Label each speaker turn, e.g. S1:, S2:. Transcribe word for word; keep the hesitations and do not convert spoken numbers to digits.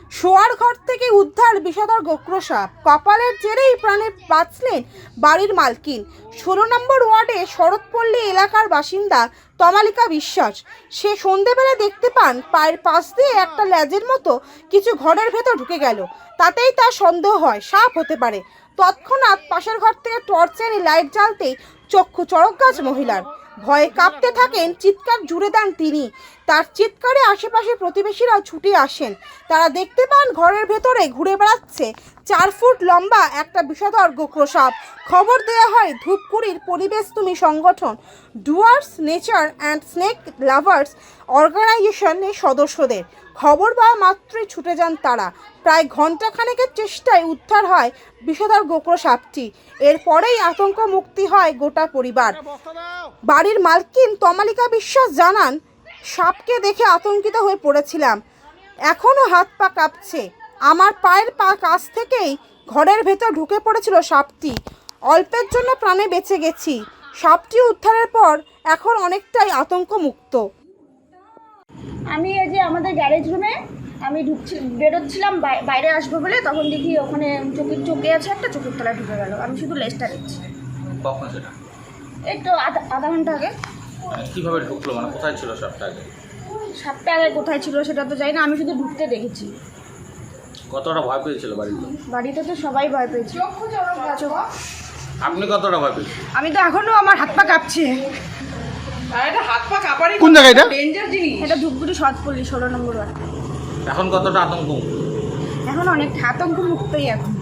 S1: শোয়ার ঘর থেকে উদ্ধার বিষধর গোক্র সাপ, কপালের জেরেই প্রাণে বাঁচলেন বাড়ির মালকিন। ষোলো নম্বর ওয়ার্ডে শরৎপল্লী এলাকার বাসিন্দা তমালিকা বিশ্বাস। সে সন্ধেবেলা দেখতে পান পায়ের পাশ দিয়ে একটা ল্যাজের মতো কিছু ঘরের ভেতর ঢুকে গেল। তাতেই তার সন্দেহ হয় সাপ হতে পারে। তৎক্ষণাৎ পাশের ঘর থেকে টর্চ এনে লাইট জ্বালতেই চক্ষু চড়ক গাছ মহিলার। ভয়ে কাঁপতে থাকেন, চিৎকার জুড়ে দেন তিনি। তার চিৎকারে আশেপাশে প্রতিবেশীরাও ছুটে আসেন। তারা দেখতে পান ঘরের ভেতরে ঘুরে বেড়াচ্ছে চার ফুট লম্বা একটা বিষধর গোক্র সাপ। খবর দেওয়া হয় ধূপগুড়ির পরিবেশ তুমি সংগঠন, Dooars nature and snake lovers অর্গানাইজেশনের সদস্যদের। খবর পাওয়া মাত্রই ছুটে যান তারা। প্রায় ঘণ্টাখানেকের চেষ্টায় উদ্ধার হয় বিষধর গোক্র সাপটি। এরপরেই আতঙ্ক মুক্তি হয় গোটা পরিবার। বাড়ির মালকিন তমালিকা বিশ্বাস জানান, সাপকে দেখে আতঙ্কিত হয়ে পড়েছিলাম, এখনও হাত পা কাঁপছে। আমার পায়ের পা কাছ থেকেই ঘরের ভেতর ঢুকে পড়েছিল সাপটি। অল্পের জন্য প্রাণে বেঁচে গেছি। সাপটি উদ্ধারের পর এখন অনেকটাই আতঙ্ক মুক্ত।
S2: আমি এই যে আমাদের গ্যারেজ রুমে আমি ঢুকছি বেরোচ্ছিলাম বাইরে আসবো বলে, তখন দেখি ওখানে চোখের চোখে আছে একটা, চোখের তলায় ঢুকে গেল। আমি শুধু লেজটা দেখছি।
S3: কখন সেটা?
S2: এই তো আধা আধা ঘন্টা আগে।
S3: মানে কিভাবে ঢুকলো, মানে কোথায় ছিল সাপটা আগে?
S2: সাপটা আগে কোথায় ছিল সেটা তো জানি না, আমি শুধু ঢুকতে দেখেছি।
S3: কতটা ভয় পেয়েছিল বাড়িতে?
S2: বাড়িতে তো সবাই ভয় পেয়েছে।
S3: আপনি কতটা ভয় পেয়েছেন?
S2: আমি তো এখনো আমার হাত পা কাঁপছে।
S4: কোন জায়গা এটা?
S2: এটা ধূপগুড়ি শরৎপল্লী ষোলো নম্বর ওয়ার্ড।
S3: এখন কতটা আতঙ্ক?
S2: এখন অনেক আতঙ্ক মুক্তই এখন।